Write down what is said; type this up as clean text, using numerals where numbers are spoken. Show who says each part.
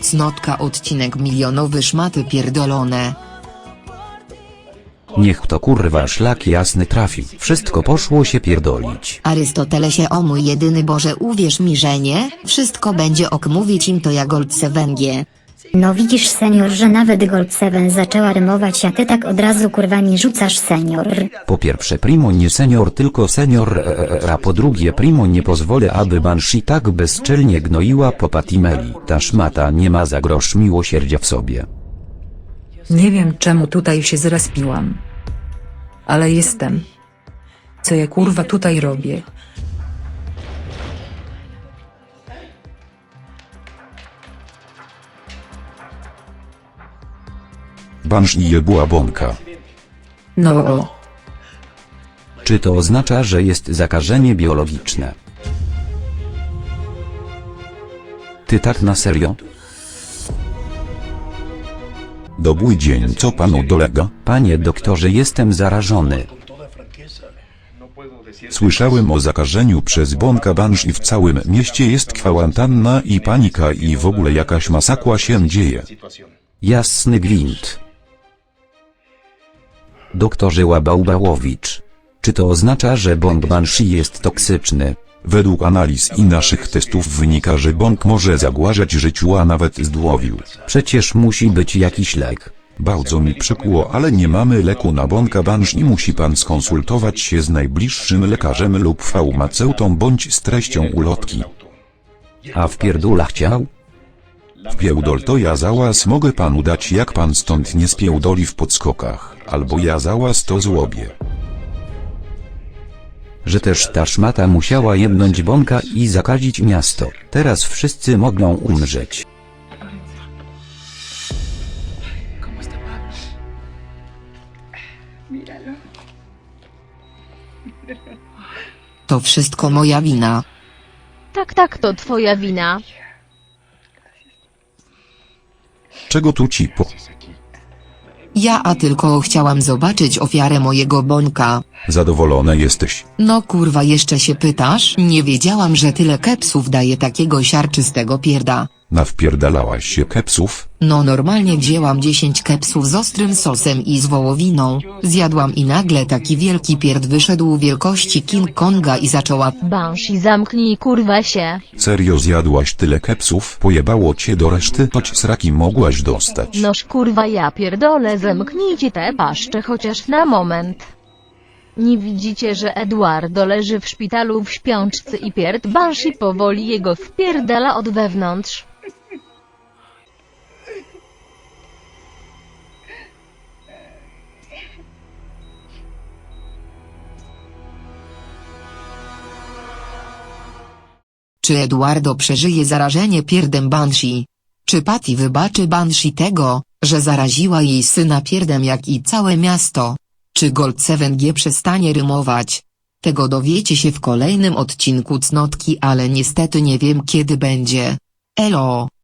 Speaker 1: Cnotka odcinek milionowy szmaty pierdolone.
Speaker 2: Niech to kurwa szlak jasny trafi. Wszystko poszło się pierdolić.
Speaker 3: Arystotelesie, o mój jedyny Boże, uwierz mi, że nie, wszystko będzie ok, mówić im to ja Gold 7G.
Speaker 4: No widzisz senior, że nawet Gold 7 zaczęła rymować, a ty tak od razu kurwa mi rzucasz senior.
Speaker 2: Po pierwsze primo nie senior tylko senior, a po drugie primo nie pozwolę aby Banshee tak bezczelnie gnoiła po Patimeli. Ta szmata nie ma za grosz miłosierdzia w sobie.
Speaker 5: Nie wiem czemu tutaj się zrespiłam. Ale jestem. Co ja kurwa tutaj robię?
Speaker 6: Banshee jebła bąka.
Speaker 5: No.
Speaker 2: Czy to oznacza, że jest zakażenie biologiczne? Ty tak na serio?
Speaker 6: Dobry dzień, co panu dolega?
Speaker 2: Panie doktorze, jestem zarażony.
Speaker 6: Słyszałem o zakażeniu przez bąka Banshee, w całym mieście jest kwarantanna i panika i w ogóle jakaś masakra się dzieje.
Speaker 2: Jasny gwint. Doktorze Łabałbałowicz. Czy to oznacza, że bąk Banshee jest toksyczny?
Speaker 6: Według analiz i naszych testów wynika, że bąk może zagrażać życiu, a nawet zdrowiu.
Speaker 2: Przecież musi być jakiś lek.
Speaker 6: Bardzo mi przykro, ale nie mamy leku na bąka Banshee. Musi pan skonsultować się z najbliższym lekarzem lub farmaceutą bądź z treścią ulotki.
Speaker 2: A w pierdula chciał?
Speaker 6: Wpierdol to ja załas mogę panu dać, jak pan stąd nie spierdoli w podskokach, albo ja załas to zrobię.
Speaker 2: Że też ta szmata musiała jebnąć bąka i zakazić miasto. Teraz wszyscy mogą umrzeć.
Speaker 1: To wszystko moja wina.
Speaker 7: Tak, to twoja wina.
Speaker 6: Czego tu ci po...
Speaker 1: Ja tylko chciałam zobaczyć ofiarę mojego bońka.
Speaker 6: Zadowolony jesteś?
Speaker 1: No kurwa, jeszcze się pytasz? Nie wiedziałam, że tyle kepsów daje takiego siarczystego pierda.
Speaker 6: Nawpierdalałaś się kepsów?
Speaker 1: No normalnie wzięłam 10 kepsów z ostrym sosem i z wołowiną. Zjadłam i nagle taki wielki pierd wyszedł wielkości King Konga i zaczęła...
Speaker 7: Banshee, zamknij kurwa się.
Speaker 6: Serio zjadłaś tyle kepsów? Pojebało cię do reszty? Choć sraki mogłaś dostać.
Speaker 7: Noż kurwa, ja pierdolę, zamknijcie te paszcze chociaż na moment. Nie widzicie, że Eduardo leży w szpitalu w śpiączce i pierd Banshee powoli jego wpierdala od wewnątrz.
Speaker 1: Czy Eduardo przeżyje zarażenie pierdem Banshee? Czy Patty wybaczy Banshee tego, że zaraziła jej syna pierdem jak i całe miasto? Czy Gold 7G przestanie rymować? Tego dowiecie się w kolejnym odcinku Cnotki, ale niestety nie wiem kiedy będzie. Elo.